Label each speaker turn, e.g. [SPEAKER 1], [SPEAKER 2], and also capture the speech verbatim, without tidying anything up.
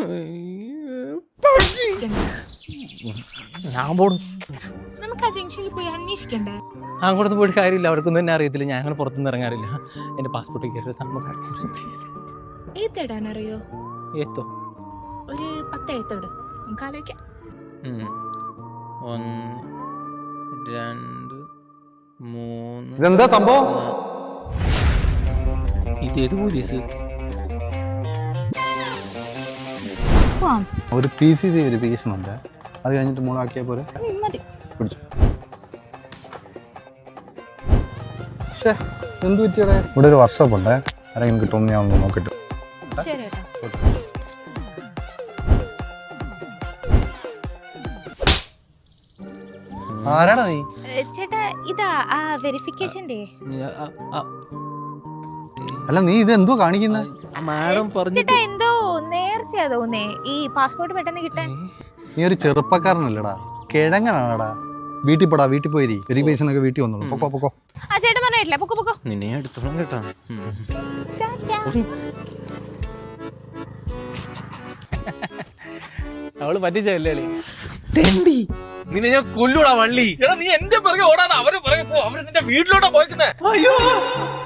[SPEAKER 1] ഞാൻ പോടും.
[SPEAKER 2] നമുക്ക് ആ ജംഗ്ഷനിൽ പോയി അന്വേഷിക്കണ്ടേ?
[SPEAKER 1] അങ്ങോട്ട് പോയിട്ട് കാര്യമില്ല, അവർക്കൊന്നും തന്നെ അറിയത്തില്ല. ഞാൻ അങ്ങനെ പുറത്തുനിന്ന് ഇറങ്ങാറില്ല. എൻ്റെ പാസ്പോർട്ട് കയറി
[SPEAKER 2] ഏത്തിടാനറിയോ?
[SPEAKER 1] ഏത്തോ
[SPEAKER 2] ഒരു പത്ത് എഴുത്തോട് നമുക്ക് ആലോചിക്കാം.
[SPEAKER 1] ഒന്ന് രണ്ട് മൂന്ന്.
[SPEAKER 3] ഇതെന്താ സംഭവം?
[SPEAKER 1] ഇതേത് പോലീസ്?
[SPEAKER 3] ഒരു പി സി സി വെരിഫിക്കേഷൻ ഉണ്ട്, അത് കഴിഞ്ഞിട്ട് മൂളാക്കിയാൽ പോലെ പിടിച്ചു. പക്ഷേ എന്ത് പറ്റിയടെ? ഇവിടെ ഒരു വർക്ക്ഷോപ്പ് ഉണ്ട്, ആരെങ്കിലും കിട്ടുമെന്ന് ഞാൻ ഒന്ന് നോക്കിട്ട്. ആരാടാ നീ?
[SPEAKER 2] ചേട്ടാ ഇതാ ആ വെരിഫിക്കേഷന്റെ.
[SPEAKER 3] അല്ല നീ ഇത് എന്തോ കാണിക്കുന്നത്?
[SPEAKER 1] മാഡം പറഞ്ഞു
[SPEAKER 2] ചേട്ടാ എന്തോ നേർച്ചയാ തോന്നേ ഈ പാസ്പോർട്ട് പെട്ടെന്ന് കിട്ടാൻ.
[SPEAKER 3] നീ ഒരു ചെറുപ്പക്കാരനല്ലടാ, കിഴങ്ങനാടാ. വീട്ടിൽ പോടാ, വീട്ടിൽ പോയി വെരിഫിക്കേഷൻ ഒക്കെ വീട്ടിൽ വന്നോളൂ. പൊക്കോ പൊക്കോ.
[SPEAKER 2] ആ ചേട്ടൻ പറഞ്ഞിട്ടില്ല, പൊക്കോ പൊക്കോ.
[SPEAKER 1] നിന്നെ എടുത്തോളം കേട്ടാ. അവള് പറ്റിച്ചല്ലേ തെണ്ടി. നിന്നെ ഞാൻ കൊല്ലൂടാ വള്ളി.
[SPEAKER 4] എടാ നീ എന്റെ പിറകെ ഓടാതെ അവരെ പിറകെ പോ. അവര് നിന്റെ വീട്ടിലോട്ടാ പോയിക്കുന്നേ.
[SPEAKER 1] അയ്യോ